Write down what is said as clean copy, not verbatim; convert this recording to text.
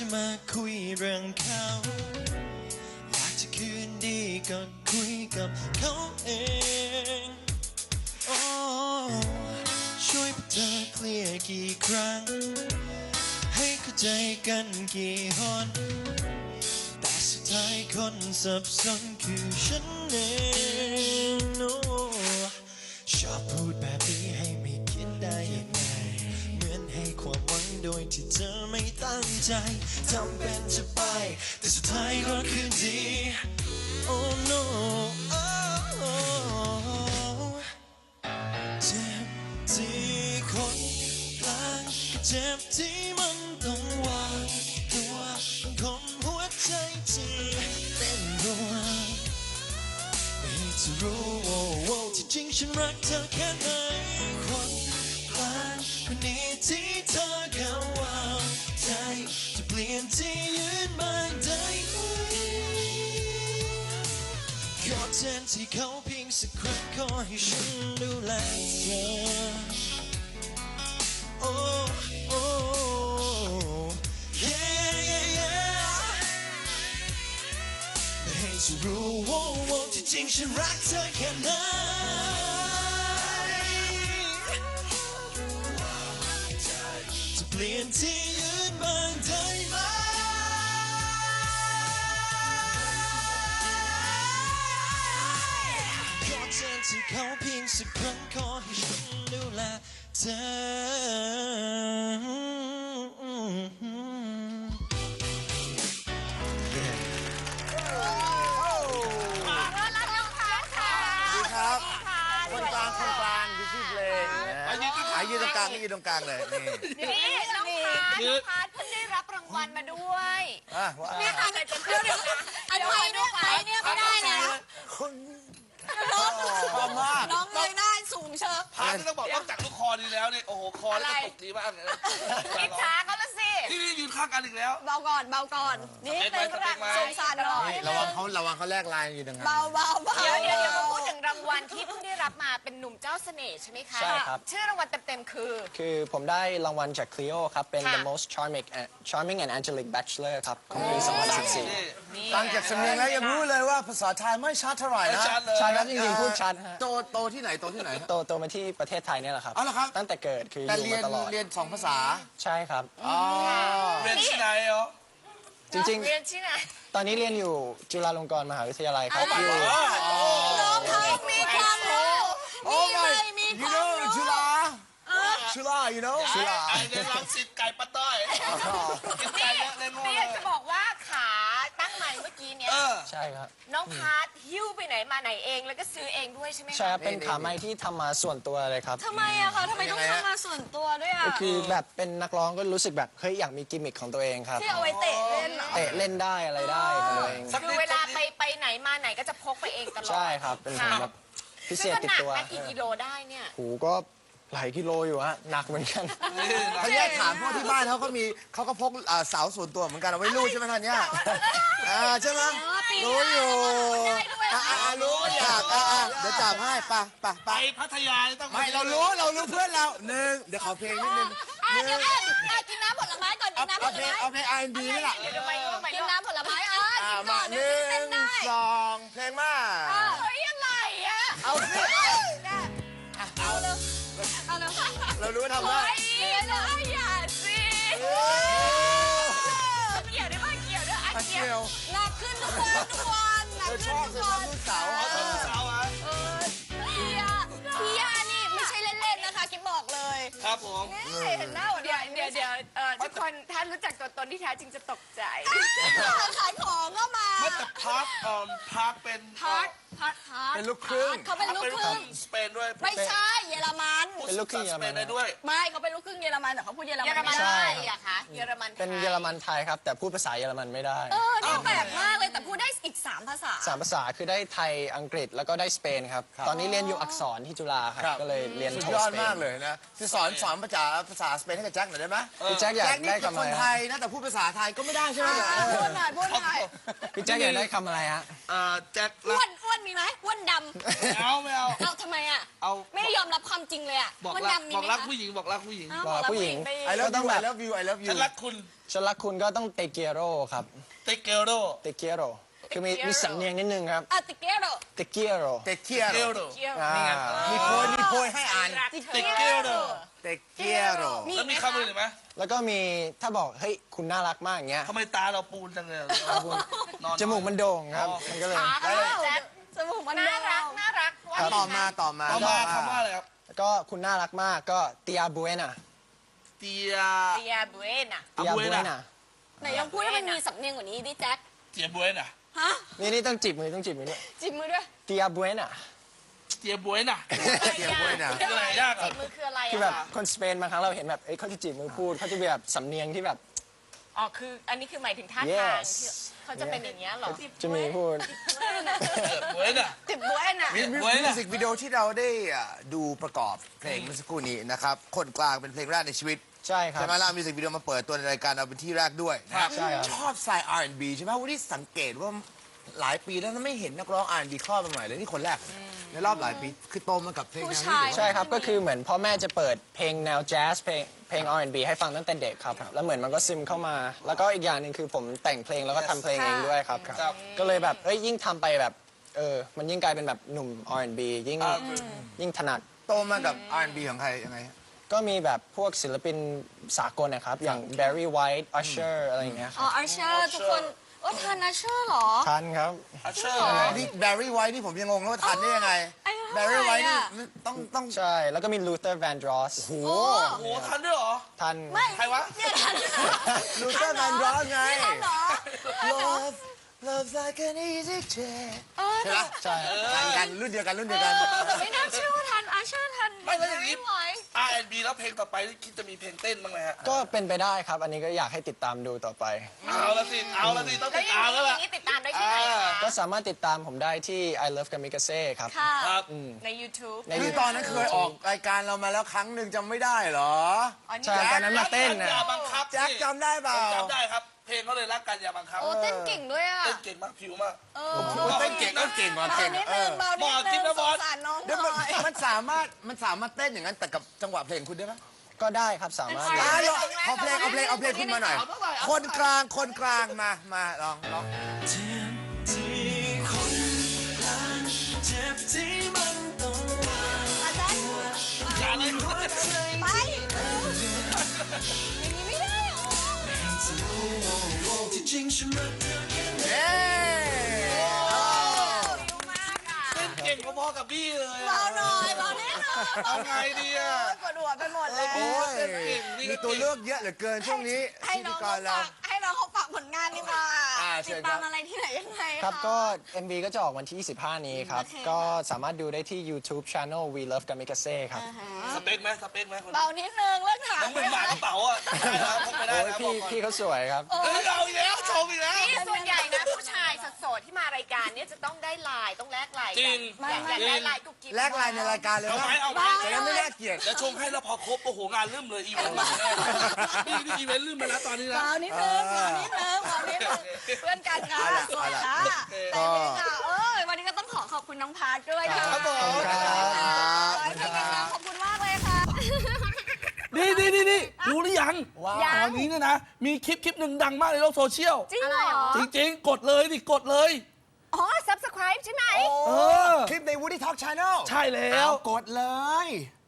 จะมาคุยเรื่องเขาอยากจะคืนดีก็คุยกับเขาเองโอ้ช่วยพวกเธอเคลียร์กี่ครั้งให้เข้าใจกันกี่หนแต่สุดท้ายคนสับสนคือฉันเองโอ้ชอบพูดแบบนี้ให้ไม่คิดได้ยังไงเหมือนให้ความหวังโดยที่เธอไม่ตั้งใจทำเป็นจะไปแต่สุดท้ายก็คืนดี Oh noเจ็บที่คนกลางเจ็บที่มันต้องวางตัวคนหัวใจที่เต้นรัวไม่จะรู้ว่าที่จริงฉันรักเธอแค่ไหนคนกลางคนนี้ที่เธอเข้าวางใจจะเปลี่ยนที่ยืนมาได้ไหมขอแทนที่เขาเพียงสักครั้งขอให้ฉันดูแลเธอโอ้โอ้ yeah yeah yeah ให้เธอรู้ว่าที่จริงฉันรักเธอแค่ไหนจะเปลี่ยนที่ยืนบ้างได้ไหมขอแทนที่เขาเพียงสักครั้งขอให้ฉันดูแลเธครับคนกลางคือชื่อเพลงยืนตรงกลางยืนตรงกลางเลยนี่น้องพาร์ทเพิ่งได้รับรางวัลมาด้วยนี่ค่ะเดี๋ยวอันเนี่ยไม่ได้นะน้องเลยได้สูงเชิญพาร์ทที่ต้องบอกนอกจากลูกคอดีแล้วเนี่ยโอ้โหคอแล้วกระตุกดีมากเลยอิจฉาเขาละสินี่ยืนข้างกันอีกแล้วเบาก่อนนี่เป็นรักสงสารหน่อยระวังเขาแลกลายอยู่ดังนั้นเบาเดี๋ยวมาพูดถึงรางวัลที่เพิ่งได้รับมาเป็นหนุ่มเจ้าเสน่ห์ใช่ไหมคะใช่ครับชื่อรางวัลเต็มๆคือผมได้รางวัลจาก Clio ครับเป็น The Most Charming and Angelic Bachelor ครับของปี 2014 ฟังจากสำเนียงแล้วยังรู้เลยว่าภาษาไทยไม่ชัดเท่าไหร่นะชัดครับจริงๆพูดชัดฮะโตที่ไหนโตมาที่ประเทศไทยเนี่ยแหละครับอ๋อเหรอครับตั้งแต่เกิดคือแต่อยู่มาตลอดเรียน2 ภาษาใช่ครับเรียนที่ไหนเหรอจริงเรียนที่ไหนตอนนี้เรียนอยู่จุฬาลงกรณ์มหาวิทยาลัยครับอยู่น้องเขามีความรู้มีความรู้จุฬาจุฬาไอเรียนรังสิตไก่ปะต้อยกินไก่เยอะเลยโง่นี่จะบอกว่าขาตั้งใหม่เมื่อกี้เนี่ยใช่ครับน้องพาร์ทหิ้วไปไหนมาไหนเองแล้วก็ซื้อเองด้วยใช่ไหมใช่ครับเป็นขาไม้ที่ทำมาส่วนตัวเลยครับทำไมอะคะทำไมต้องทำมาส่วนตัวด้วยอะก็คือแบบเป็นนักร้องก็รู้สึกแบบเฮ้ยอยากมีกิมมิคของตัวเองครับที่เอาไว้เตะเล่นเตะเล่นได้อะไรได้ของตัวเองคือเวลาไปไหนมาไหนก็จะพกไปเองตลอดใช่ครับเป็นแบบพิเศษติดตัวหนักกี่กิโลได้เนี่ยหูก็หลายกิโลอยู่ฮะหนักเหมือนกันเขาแยกถามพวกที่บ้านเขาก็พกเสาส่วนตัวเหมือนกันเอาไว้ลูดใช่ไหมท่านเนี่ยใช่ไหมรู้อยู่รู้จักเดี๋ยวจับให้ไปพัทยาต้องไม่เรารู้เพื่อนเรา1เดี๋ยวขอเพลงนิดนึงเดี๋ยวกินน้ำผลไม้ก่อนกินน้ำผลไม้เอาเพลง R&B นี่แหละกินน้ำผลไม้มา1 2เพลงมาเฮ้ยอะไรอะเอาสิเรารู้ว่าทำได้อย่าสิเกี่ยวด้วยเกี่ยวหนักขึ้นทุกวันหนักขึ้นทุกวันลูกสาวพี่ยานี่ไม่ใช่เล่นๆนะคะกิ๊บบอกเลยครับผมเห็นหน้าเดี๋ยวทุกคนถ้ารู้จักตัวตนที่แท้จริงจะตกใจขายของก็มาแต่พาร์ทเป็นลูกครึ่งเขาเป็นลูกครึ่งสเปนด้วยไม่ใช่เยอรมันเป็นลูกครึ่งเยอรมันได้ด้วยไม่เขาเป็นลูกครึ่งเยอรมันแต่เขาพูดเยอรมันได้อะคะเยอรมันเป็นเยอรมันไทยครับแต่พูดภาษาเยอรมันไม่ได้นี่แปลกมากเลยแต่พูดได้อีก3 ภาษา 3 ภาษาคือได้ไทยอังกฤษแล้วก็ได้สเปนครับตอนนี้เรียนอยู่อักษรที่จุฬาครับก็เลยเรียนสุดยอดมากเลยนะจะสอนภาษาสเปนให้กับแจ็คหน่อยได้ไหมพี่แจ็คอยากได้คำอะไรคนไทยนะแต่พูดภาษาไทยก็ไม่ได้ใช่ไหมพูดหน่อยพี่แจ็คอยากได้คำอะไรฮะแจ็คอ้วนวนมีไหมอ้วนดำเอาไม่เอาเอาทำไมอ่ะเอาไม่ได้ยอมรับความจริงเลยอ่ะบอกอ้วนรักดำมีบอกไหมรักคะผู้หญิงบอกรักผู้หญิงอ้าวบอกผู้หญิงไป I love ต้อ you งแบบ I love you I love you ฉันรักคุณฉันรักคุณก็ต้องเตเกียโรครับเตเกโรเตเกียโรคือมีสำเนียงนิดนึงครับอ่ะติเกโรเตเกียโรเตเกียเกโรโรอ่ามีโพยให้อ่านเตเกโรเตเกียโรแล้วมีคำอื่นอีกไหมแล้วก็มีถ้าบอกเฮ้ยคุณน่ารักมากอย่างเงี้ยทำไมตาเราปูนจังเลยนอนจมูกมันโด่งครับ มันก็เลยแจ๊คจมูกมันน่ารักน่ารักว่าดีต่อนะมาต่อมาเอามาคำว่าอะไรครับแล้วก็คุณน่ารักมากก็เตียบุเอน่ะเตียเตียบุเอน่ะเตียบุเอน่ะไหนลองพูดให้มันมีสำเนียงกว่านี้ดิแจ็คเตียบวยน่ะฮะนี่ต้องจีบมือต้องจีบมือด้วยจิบมือด้วยเตียบุเอน่ะเตียบวยน่ะเตียบวยน่ะคืออะไรยากอ่ะจิบมือคืออะไรคืออะแบบคะคนสเปนบางครั้งเราเห็นแบบเอ้ยเขาจะจีบมือพูดเขาจะมีแบบสำเนียงที่แบบอ๋อคืออันนี้คือหมายถึงท่าทาง Yes ที่เขาจะเป็นอย่างเงี้ยเหรอจะมีพูดเตียบวยน่ะจิบบุเอน่ะมิบวยวน่ะสิกวิดีโอที่เราได้ดูประกอบเพลงเมื่อสักครู่นี้นะครับคนกลางเป็นเพลงแรกในชีวิตใช่ครับใช่ไหมล่ะมิวสิกวิดีโอมาเปิดตัวในรายการเราเป็นที่แรกด้วยนะครับใช่ครับชอบสไตล์ R&B ใช่ไหมวันนี้สังเกตว่าหลายปีแล้วไม่เห็นนักร้อง R&B ครอบมาใหม่เลยนี่คนแรกในรอบหลายปีคือโตมากับเพลงแนวนี้อยู่ใช่ครับ ก็คือเหมือนพ่อแม่จะเปิดเพลงแนวแจ๊สเพลง R&B ให้ฟังตั้งแต่เด็กครับ แล้วเหมือนมันก็ซึมเข้ามา แล้วก็อีกอย่างหนึ่งคือผมแต่งเพลงแล้วก็ทำเพลงเองด้วยครับครับก็เลยแบบเอ้ยยิ่งทำไปแบบมันยิ่งกลายเป็นแบบหนุ่ม R&B ยิ่งถนัดโตมากับ R&B ของใครยังไงฮะก็มีแบบพวกศิลปินสากลนะครับ อย่าง Barry White Usher อะไรอย่างเงี้ยคอ๋รัอบ อาร์เชอร์ทุกคนว่าทันอาร์เชอร์เหรอทันครับอัชเชอร์นี่แบร์รี่ไวท์นี่ผมยังงงแล้วว่าทันได้ยังไงอายุแบเท่าร์ไหร่รี่ไวท์นี่อะต้องใช่ แล้วก็มี Luther Vandross โอ้โหโอ้โหทันด้วยเหรอทันไม่ใครวะเนี่ยทันลูเซอร์แมนดรอสไงทันเหรอ Love Love's like an easy chair เออใช่ไหมใช่ทันกันรุ่นเดียวกันรุ่นเดียวกันแต่ไม่น่าเชื่อว่าทันอาร์เชอร์ทันไม่แล้วอย่างนี้ไม่ไหว R&B แล้วเพลงต่อไปนี่คิดจะมีเพลงเต้นบ้างไหมฮะก็เป็นไปได้ครับ อันนี้ก็อยากให้ติดตามดูต่อไปเอาละสิต้องแล้ติวดอย่าตามงแล้วนี้อล่ะย่างนี้ติดตามได้ที่ไหนคะก็สามารถติดตามผมได้ที่ I Love Kamikaze ครับค่ะครับใน YouTube ในคือตอนนั้นเคยออกรายการเรามาแล้วครั้งหนึ่งจำไม่ได้เหรออ๋อนี่ใช่ตอนนั้นมาเต้นนะอย่าบังคับแจ็คจำได้เปล่าจำได้ครับ เพลงเขาเลยรักกันอย่าบังคับโอ้เต้นเก่งด้วยอ่ะเต้นเก่งมากผิวมากเต้นเก่งก็เก่งกว่าเบาเก่งนิดเอนึองเบานิดบอกจรินึงงนะสบอง สสารน้องหเดี๋ยวน่อยมันสามารถเต้นอย่างนั้นแต่กับจังหวะเพลงคุณได้ไหมก็ได้ครับสามารถได้ลองเอาเพลงคุณมาหน่อย คนกลางมาลองเจ็บที่คนกลางเจ็บที่มันต้องวางอาจารย์อย่าเลยไปอย่างนี้ไม่ได้หรอที่จริงฉันรักเธอแค่ไหนเย้เร็วมากอ่ะเต้นเก่งพอๆกับพี่เลยเบาหน่อยเบาแน่นอนเอาไงดีอ่ะปวดหัวไปหมดเลยโอ้ยมีตัวเลือกเยอะเหลือเกินช่วงนี้ให้พิน้ธีองกเขารเราฝากให้น้องเขาฝากผลงานดีกว่าเชิติญดครัตาบมอะไรที่ไหนยังไงะครับก็ MV ก็จะออกวันที่ 25 นี้ครับโอเคก็สามารถดูได้ที่ YouTube Channel We Love Kamikaze ครับสเปคไหมสเปคไหมคนเบานิดนึงเลิกถามน้องเป็นหมากระเป๋าอ่ะได้แล้วพกไปได้โอ้ยนะบพี่อกก่อนพี่เขาสวยครับเฮ้ยเอาอีกแล้วชมอีกแล้วนี่ส่วนใหญ่นะผู้ชายโสดๆที่มารายการเนี่ยจะต้องได้ไลน์ต้องแลกไลน์จริกังอยากได้ไลน์กุ๊กกิ๊บแลกไลน์ในรายการเลยเอานะไหมเอาไหมจะได้ไม่น่าเกลียดแล้วชงให้แล้วพอครบโอ้โหงานลืมเลยอีเวนต์มานี่อีเวนต์ลืมไปแล้วตอนนี้นะเบานิดนึงเบานิดนึงเบานิดนึงเพื่อนกันค่ะสวยค่ะแต่นี่ค่ะวันนี้ก็ต้องขอบคุณน้องพาร์ทด้วยค่ะครับผมขอให้เพลงดังๆขอบคุณมากเลยค่ะนี่รู้หรือยังตอนนี้เนี่ยนะ มีคลิปหนึ่งดังมากในโลกโซเชียลจริงเหรอจริงๆ กดเลยดิกดเลยอ๋อ subscribe ใช่ไหมเออคลิปใน Woody Talk Channel ใช่แล้วกดเลย